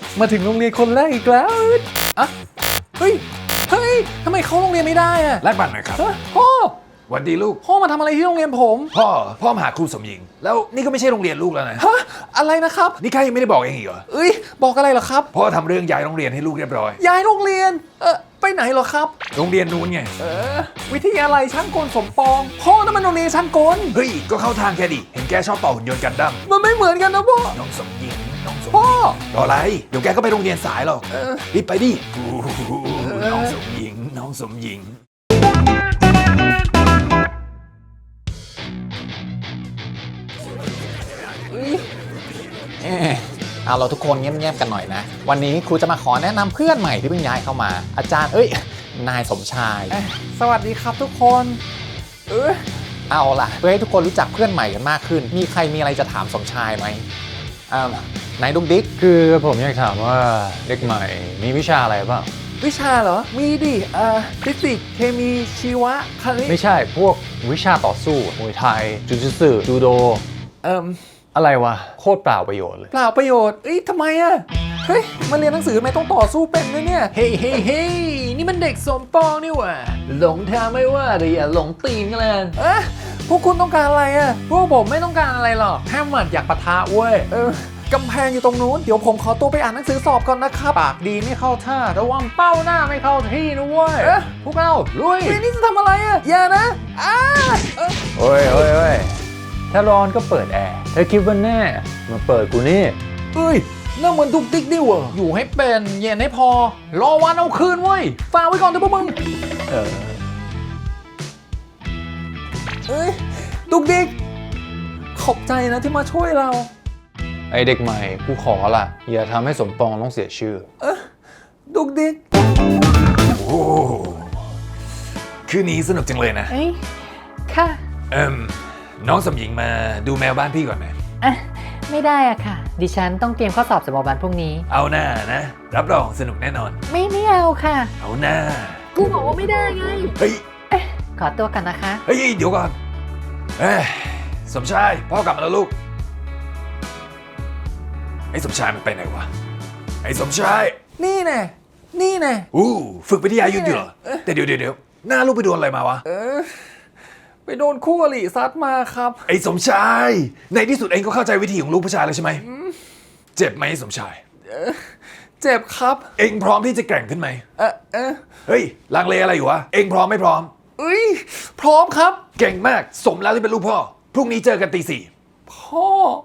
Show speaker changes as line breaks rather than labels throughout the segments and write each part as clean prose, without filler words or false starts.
มาถึงโรงเรียนคนแรกอีกแล้วอะเฮ้ยทำไมเข้าโรงเรียนไม่ได้อะ
แลกบัตรหน่อยครับ
พ่อ
หวัสดีลูก
พ่อมาทำอะไรที่โรงเรียนผม
พ่อมาหาครูสมหญิง แล้วนี่ก็ไม่ใช่โรงเรียนลูกแล้วนะ
ฮะอะไรนะครับ
นี่ข้ายังไม่ได้บอกเองอีกเหรอ
เอ้ยบอกอะไรเหรอครับ
พ่อทำเรื่องย้ายโรงเรียนให้ลูกเรียบร้อย
ย้ายโรงเรียนไปไหนเหรอครับ
โรงเรียนนู้นไง
วิทยาลัยช่างกลสมปองพ่อนั่นมันโรงเรียนช่างกล
เฮ้ย ก็เข้าทางแกดิ เห็นแกชอบต่อหุ่นยนต์กันดั้ม
มันไม่เหมือนกันนะพ่อ
น้องสมหญิง น้องสมห
พ่อ
ญิงรออะไร เดี๋ยวแกก็ไปโรงเรียนสายหรอกรีบไปดิน้องสมหญิง น้องสมหญิง
เอาเราทุกคนเงียบๆกันหน่อยนะ วันนี้ครูจะมาขอแนะนำเพื่อนใหม่ที่เพิ่งย้ายเข้ามา อาจารย์นายสมชายสวัสดีครับทุกคนเอาล่ะเพื่อให้ทุกคนรู้จักเพื่อนใหม่กันมากขึ้น มีใครมีอะไรจะถามสมชายไหมนายดุ๊กดิ๊ก
คือผมอยากถามว่าเด็กใหม่มีวิชาอะไรบ้าง
วิชาเหรอมีดิฟิสิกส์เคมีชีวะคณิต
ไม่ใช่พวกวิชาต่อสู้มวยไทยจูจิสึจูโดอะไรวะโคตรเปล่าประโยชน์เลย
เปล่าประโยชน์ทำไมอะเฮ้ยมาเรียนหนังสือทำไมต้องต่อสู้เป็นด้วยเนี่ยเฮ้ยนี่มันเด็กสมปองนี่หว่าหลงทางไม่ว่าแต่อย่าหลงตีนกันเลยพวกคุณต้องการอะไรอะพวกผมไม่ต้องการอะไรหรอกแค่หมัดอยากปะทะเว้ยกำแพงอยู่ตรงนู้นเดี๋ยวผมขอตัวไปอ่านหนังสือสอบก่อนนะครับปากดีไม่เข้าท่าระวังเป้าหน้าไม่เข้าที่นะเว้ยพวกเราลุยนี่จะทำอะไรอะอย่านะ
โอ้ยถ้าร้อนก็เปิดแอร์ถ้าคิดว่าแน่มาเปิดกูนี่
นั่นเหมือนดุกดิกดิวะอยู่ให้เป็นเย็นให้พอรอวันเอาคืนเว้ยฝากไว้ก่อนเถอะพวกมึงดุกดิกขอบใจนะที่มาช่วยเรา
ไอเด็กใหม่กูขอละอย่าทำให้สมปองต้องเสียชื่อ
ดุกดิก
โอ้คืนนี้สนุกจังเลยนะ
ค่ะ
น้องสมหญิงมาดูแมวบ้านพี่ก่อนไหม
ไม่ได้อะค่ะ ดิฉันต้องเตรียมข้อสอบสำหรับวันพรุ่งนี้
เอาหน้านะ รับรองสนุกแน่นอน
ไม่เอาค่ะ
เอาหน้า
กูบอกว่าไม่ได้ไง
เฮ้ย
ขอตัวกันนะคะ
เฮ้ย เดี๋ยวก่อนสมชายพ่อกลับมาแล้วลูก ไอ้สมชายมันไปไหนวะ ไอ้สมชาย
นี่แน่
ฝึกวิทยายุทธ์อยู่เหรอ แต่เดี๋ยวหน้าลูกไปโดนอะไรมาวะ
ไปโดนคู่อริซัดมาครับ
ไอ้สมชาย ในที่สุดเองก็เข้าใจวิธีของลูกผู้ชายแล้วใช่ไหม เจ็บไหมสมชาย
เจ็บครับ
เองพร้อมที่จะแกร่งขึ้นไหม เฮ้ยลังเลอะไรอยู่วะ เองพร้อมไม่พร้อม
พร้อมครับ
เก่งมาก สมแล้วที่เป็นลูกพ่อ พรุ่งนี้เจอกันตี 4
พ่อ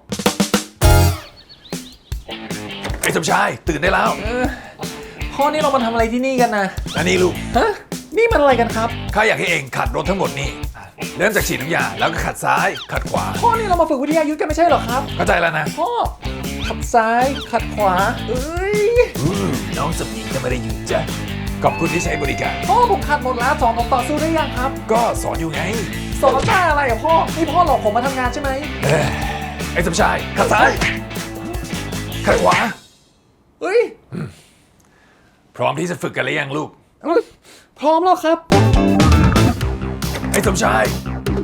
ไอ้สมชายตื่นได้แล้ว
พ่อนี่เรามาทำอะไรที่นี่กันนะ
อันนี้ลูก
นี่มันอะไรกันครับ
ข้าอยากให้เองขัดรถทั้งหมนี่เริ่มจากฉีดน้ำยาแล้วก็ขัดซ้ายขัดขวา
พ่อนี่เรามาฝึกวิทยายุทธกันไม่ใช่เหรอครับ
เข้าใจแล้วนะ
พ่อขัดซ้ายขัดขวา
น้องสมหญิงจะไม่ได้ยืนจ้ะขอบคุณที่ใช้บริการ
พ่อผมขัดหมดแล้วสอนผมต่อสู้ได้ยังครับ
ก็สอนอยู่ไง
สอนได้อะไรอ่ะพ่อนี่พ่อหลอกผมมาทำงานใช่ไหม
ไอ้สมชายขัดซ้ายขัดขวาพร้อมที่จะฝึกกันหรือยังลูก
พร้อมแล้วครับ
ไอ้สมชาย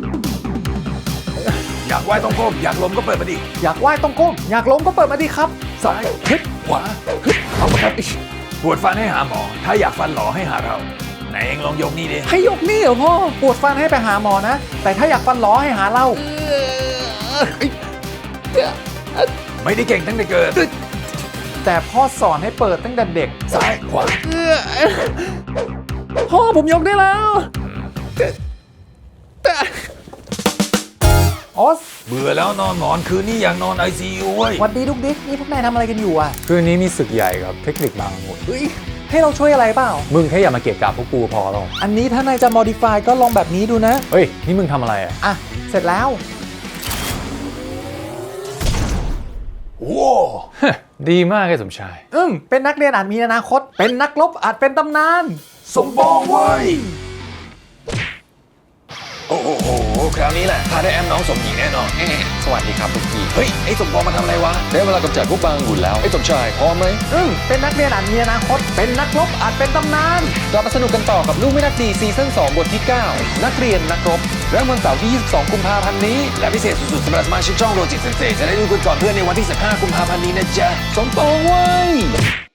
อยากว่ายต้องก้มอยากล้มก็เปิดมาดิ
อยากว่ายต้องก้มอยากล้มก็เปิดมาดิครับ
ซ้ายฮึดขวาฮึดเอามาครับปวดฟันให้หาหมอถ้าอยากฟันหล่อให้หาเราไหนเองลองยกนี่ดิ
ให้ยกนี่เหรอพ่อปวดฟันให้ไปหาหมอนะแต่ถ้าอยากฟันหลอให้หาเรา
ไม่ได้เก่งตั้งแต่เกิด
แต่พ่อสอนให้เปิดตั้งแต่เด็ก
ซ้ายขวา
พ่อผมยกได้แล้วออส
เบื่อแล้วนอนหมอนคืนนี้อยากนอน ICU เว้ย
หวัดดีดุกดิ๊กนี่พวกนายทำอะไรกันอยู่อ่ะ
คืนนี้มีศึกใหญ่กับเทคนิคบางหมด
ให้เราช่วยอะไรเปล่า
มึงแค่อย่ามาเกะกะพวกกูพอหรอก
อันนี้ถ้านายจะ modify ก็ลองแบบนี้ดูนะ
เฮ้ยนี่มึงทำอะไรอ่ะ
เสร็จแล้ว
โว้
ดีมากไอ้สมชาย
เป็นนักเรียนอาจมีอนาคต เป็นนักรบอาจเป็นตำนาน
สมบองเว้ยโอ้โหคราวนี้แหละพาได้แอมน้องสมหญิงแน่นอน
สวัสดีครับทุกที
เฮ้ยไอ้สมบองมาทำอะไรวะ
ได้เวลากำจัดพวกบางหุ่นแล้วไอ้สมชายพร้อมไหม
เป็นนักเรียนอาจมีอนาคต เป็นนักรบอาจเป็นตำนาน
กลับมาสนุกกันต่อกับลูกไม่นักดีซีซั่น2บทที่ 9 นักเรียนนักรบเริ่มวันเสาร์ที่ 22 กุมภาพันธ์นี้
และพิเศษสุดๆสำหรับสมาชิกช่องโรจิตเซนเซจะได้ดูกันก่อนเพื่อนในวันที่ 15 กุมภาพันธ์นี้นะจ๊ะ
สมปองเว้ย